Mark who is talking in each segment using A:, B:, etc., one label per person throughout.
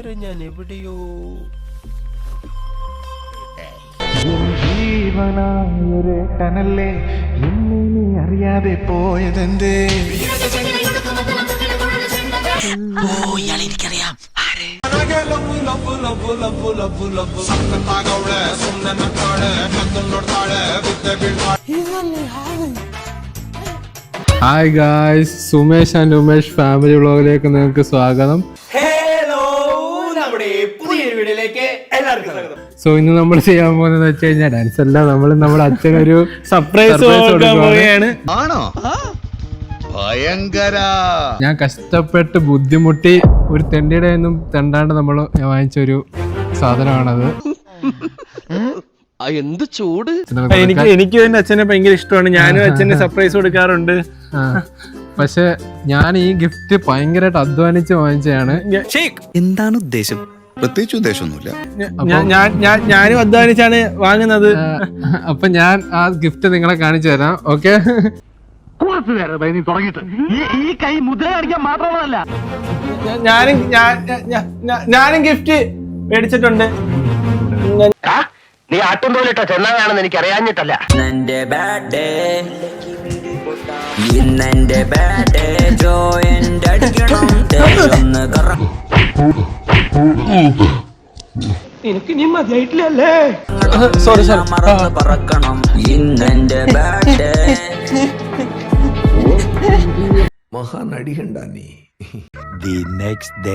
A: ഇതുവരെ ഞാൻ എവിടെയോ
B: ജീവനായൊരു കനല്ലേ എന്നെ നീ അറിയാതെ പോയതെന്തേ?
A: എനിക്കറിയാം.
C: Hi guys, Sumesh and Umesh family വ്ളോഗിലേക്ക് നിങ്ങൾക്ക് സ്വാഗതം.
A: പുതിയൊരു വീഡിയോയിലേക്ക് എല്ലാവർക്കും സ്വാഗതം.
C: സോ ഇന്ന് നമ്മൾ ചെയ്യാൻ പോകുന്നത് വെച്ച് കഴിഞ്ഞാൽ ഡാൻസ് അല്ല, നമ്മുടെ അച്ഛനൊരു
D: സർപ്രൈസ് കൊടുക്കാൻ പോവുകയാണ്.
E: ആണോ? ഭയങ്കര.
C: ഞാൻ കഷ്ടപ്പെട്ട് ബുദ്ധിമുട്ടി ഒരു തെണ്ടിയുടെ ഒന്നും തെണ്ടാണ്ട് നമ്മൾ വാങ്ങിച്ചൊരു സാധനമാണത്.
A: എന്ത് ചൂട്!
D: എനിക്ക് എന്റെ അച്ഛനെ ഭയങ്കര ഇഷ്ടമാണ്. ഞാനും അച്ഛന് സർപ്രൈസ് കൊടുക്കാറുണ്ട്.
C: പക്ഷെ ഞാൻ ഈ ഗിഫ്റ്റ് ഭയങ്കരമായിട്ട് അധ്വാനിച്ച് വാങ്ങിച്ചതാണ്.
E: എന്താണ് ഉദ്ദേശം? പ്രത്യേകിച്ച് ഉദ്ദേശമൊന്നുമില്ല.
D: ഞാനും അധ്വാനിച്ചാണ് വാങ്ങുന്നത്.
C: അപ്പൊ ഞാൻ ആ ഗിഫ്റ്റ് നിങ്ങളെ കാണിച്ചു തരാം. ഓക്കെ,
D: ഞാനും ഗിഫ്റ്റ് മേടിച്ചിട്ടുണ്ട്.
F: നീ ആട്ടും പോലിട്ടോ ചെന്നാണെന്ന് എനിക്ക് അറിയാഞ്ഞിട്ടല്ല.
D: എനിക്ക് നീ മതിയായിട്ടില്ലല്ലേ?
C: സോറി
E: മഹാനടി കണ്ട നീ. The next day.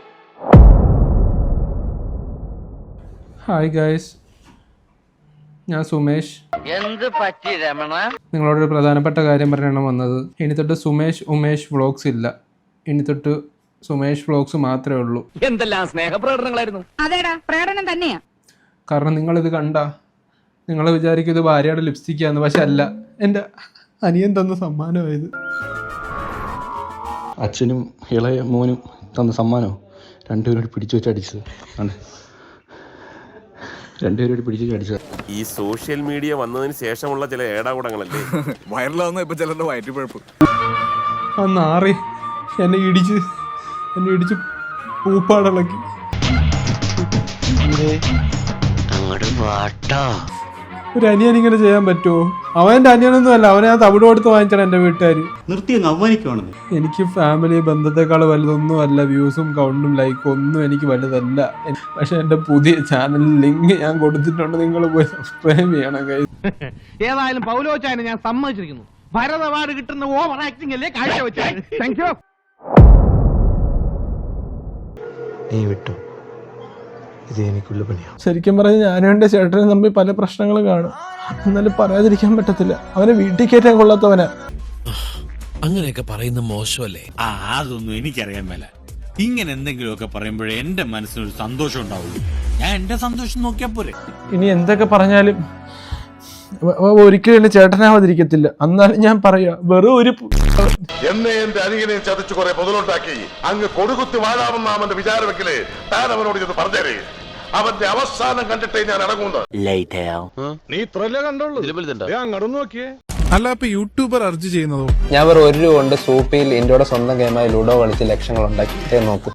C: Hi guys, ഞാൻ സുമേഷ്.
F: എന്ത് പറ്റി രമണ?
C: നിങ്ങളോടൊരു പ്രധാനപ്പെട്ട കാര്യം പറയാനാണ് വന്നത്. ഇനി തൊട്ട് സുമേഷ് ഉമേഷ് വ്ളോഗ്സ് ഇല്ല. ഇനി തൊട്ട് സുമേഷ് വ്ളോഗ്സ് മാത്രമേ ഉള്ളൂ.
F: എന്തെല്ലാം സ്നേഹപ്രകടനങ്ങളായിരുന്നു.
G: അതേടാ, പ്രകടനം തന്നെയാ.
C: കാരണം നിങ്ങളിത് കണ്ട നിങ്ങൾ വിചാരിക്കും ഇത് ഭാര്യയുടെ ലിപ്സ്റ്റിക്കാന്ന്. പക്ഷെ അല്ല, എൻ്റെ അനിയൻ തന്ന സമ്മാനമായത്.
H: അച്ഛനും ഇളയ മോനും തന്ന സമ്മാനമോ രണ്ടുപേരോട് പിടിച്ചു വെച്ച് അടിച്ചത്. രണ്ടുപേരോട് പിടിച്ചു വെച്ച് അടിച്ചത്.
I: ഈ സോഷ്യൽ മീഡിയ വന്നതിന് ശേഷമുള്ള ചില ഏടാകൂടങ്ങളല്ലേ
E: വൈറലാവുന്ന ഇപ്പൊ ചിലരുടെ വയറ്റുപഴപ്പ്.
C: നാറി എന്നെ ഇടിച്ച് പൂപ്പാടിളക്കി. ഒരു അനിയൻ ഇങ്ങനെ ചെയ്യാൻ പറ്റുമോ? അവൻ്റെ അനിയനൊന്നും അല്ല, അവനെ ഞാൻ തവിട് കൊടുത്ത് വാങ്ങിച്ചാണ് എൻ്റെ വീട്ടുകാർ. എനിക്ക് ഫാമിലി ബന്ധത്തെക്കാൾ വലുതൊന്നും അല്ല. വ്യൂസും കൗണ്ടും ലൈക്കും ഒന്നും എനിക്ക് വലുതല്ല. പക്ഷെ എൻ്റെ പുതിയ ചാനൽ ലിങ്ക് ഞാൻ കൊടുത്തിട്ടുണ്ട്, നിങ്ങൾ പോയി സബ്സ്ക്രൈബ് ചെയ്യണം.
F: ഏതായാലും പൗലോച്ചായനെ ഞാൻ സമ്മതിച്ചിരിക്കുന്നു. ഭരത് അവാർഡ് കിട്ടുന്ന ഓവർ ആക്ടിംഗ് അല്ലേ കാഴ്ചവെച്ചത്. Thank you.
E: നീ വിട്ടു, ഇത് എനിക്കുള്ള പണിയാ.
D: ശരിക്കും പറഞ്ഞാൽ ഞാനും എൻ്റെ ചേട്ടനും തമ്മിൽ പല പ്രശ്നങ്ങളും കാണും. എന്നാലും പറയാതിരിക്കാൻ പറ്റത്തില്ല. അവനെ വീട്ടിൽ കയറ്റാൻ കൊള്ളാത്തവനാ.
A: അങ്ങനെയൊക്കെ പറയുന്ന മോശമല്ലേ?
J: അതൊന്നും എനിക്കറിയാൻ മേല. ഇങ്ങനെ എന്തെങ്കിലുമൊക്കെ പറയുമ്പോഴേ എന്റെ മനസ്സിനൊരു സന്തോഷം ഉണ്ടാവുള്ളൂ. ഞാൻ എന്റെ സന്തോഷം നോക്കിയാ പോരെ.
D: ഇനി എന്തൊക്കെ പറഞ്ഞാലും ഒരിക്കലും എന്റെ ചേട്ടനാവാതിരിക്കത്തില്ല. എന്നാലും ഞാൻ പറയാ, വെറും ഒരു
I: എന്നെ എന്റെ അരികിനെയും ചതച്ചു കുറെ പൊതുലുണ്ടാക്കി അങ്ങ് കൊടുകുത്തി വാഴാമെന്ന അവന്റെ വിചാരമെങ്കിലേ താൻ അവനോട് ചെന്ന് പറഞ്ഞേരേ. അവന്റെ അവസാനം കണ്ടിട്ടേ ഞാൻ ഇറങ്ങുന്നത്.
E: നീ ഇത്രല്ലേ കണ്ടുള്ളൂ, അങ്ങോട്ട് നോക്കിയേ.
B: അല്ല, ഇപ്പൊ യൂട്യൂബർ അർജ് ചെയ്യുന്നതോ?
H: ഞാൻ വെറും 1 രൂപ കൊണ്ട് സൂപ്പിയിൽ ഇന്ത്യയുടെ സ്വന്തം ഗെയിമായ ലുഡോ കളിച്ച് ലക്ഷങ്ങൾ ഉണ്ടാക്കിയിട്ടേ നോക്കൂ.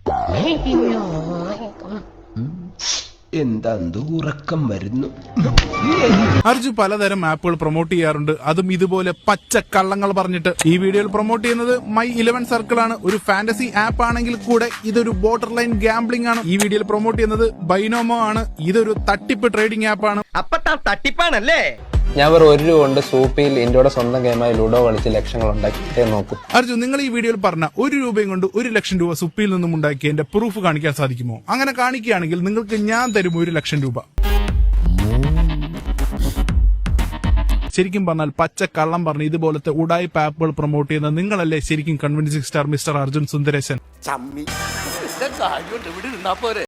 A: എന്താ ഉറക്കം വരുന്നു.
B: അർജു പലതരം ആപ്പുകൾ പ്രൊമോട്ട് ചെയ്യാറുണ്ട്, അതും ഇതുപോലെ പച്ച കള്ളങ്ങൾ പറഞ്ഞിട്ട്. ഈ വീഡിയോയിൽ പ്രൊമോട്ട് ചെയ്യുന്നത് മൈ 11 സർക്കിൾ ആണ്. ഒരു ഫാന്റസി ആപ്പ് ആണെങ്കിൽ കൂടെ ഇതൊരു ബോർഡർ ലൈൻ ഗാംബ്ലിംഗ് ആണ്. ഈ വീഡിയോയിൽ പ്രൊമോട്ട് ചെയ്യുന്നത് ബൈനോമോ ആണ്. ഇതൊരു തട്ടിപ്പ് ട്രേഡിംഗ് ആപ്പ് ആണ്.
F: അപ്പത്താ തട്ടിപ്പാണല്ലേ?
H: ഞാൻ വെറും 1 രൂപ കൊണ്ട് സൂപ്പിയിൽ ഇന്ത്യയുടെ സ്വന്തം ഗെയിമായ ലുഡോ കളിച്ച് ലക്ഷങ്ങൾ ഉണ്ടാക്കിയിട്ടേ നോക്കൂ.
B: അർജു, നിങ്ങൾ ഈ വീഡിയോയിൽ പറഞ്ഞ 1 രൂപയും കൊണ്ട് 1 ലക്ഷം രൂപ സുപ്പിയിൽ നിന്നും ഉണ്ടാക്കി എന്റെ പ്രൂഫ് കാണിക്കാൻ സാധിക്കുമോ? അങ്ങനെ കാണിക്കുകയാണെങ്കിൽ നിങ്ങൾക്ക് ഞാൻ തരും 1 ലക്ഷം രൂപ. ശരിക്കും പറഞ്ഞാൽ പച്ച കള്ളം പറഞ്ഞ് ഇതുപോലത്തെ ഉടായ്പ ആപ്പുകൾ പ്രൊമോട്ട് ചെയ്യുന്ന നിങ്ങളല്ലേ ശരിക്കും convincing star mister Arjun Sundaresan.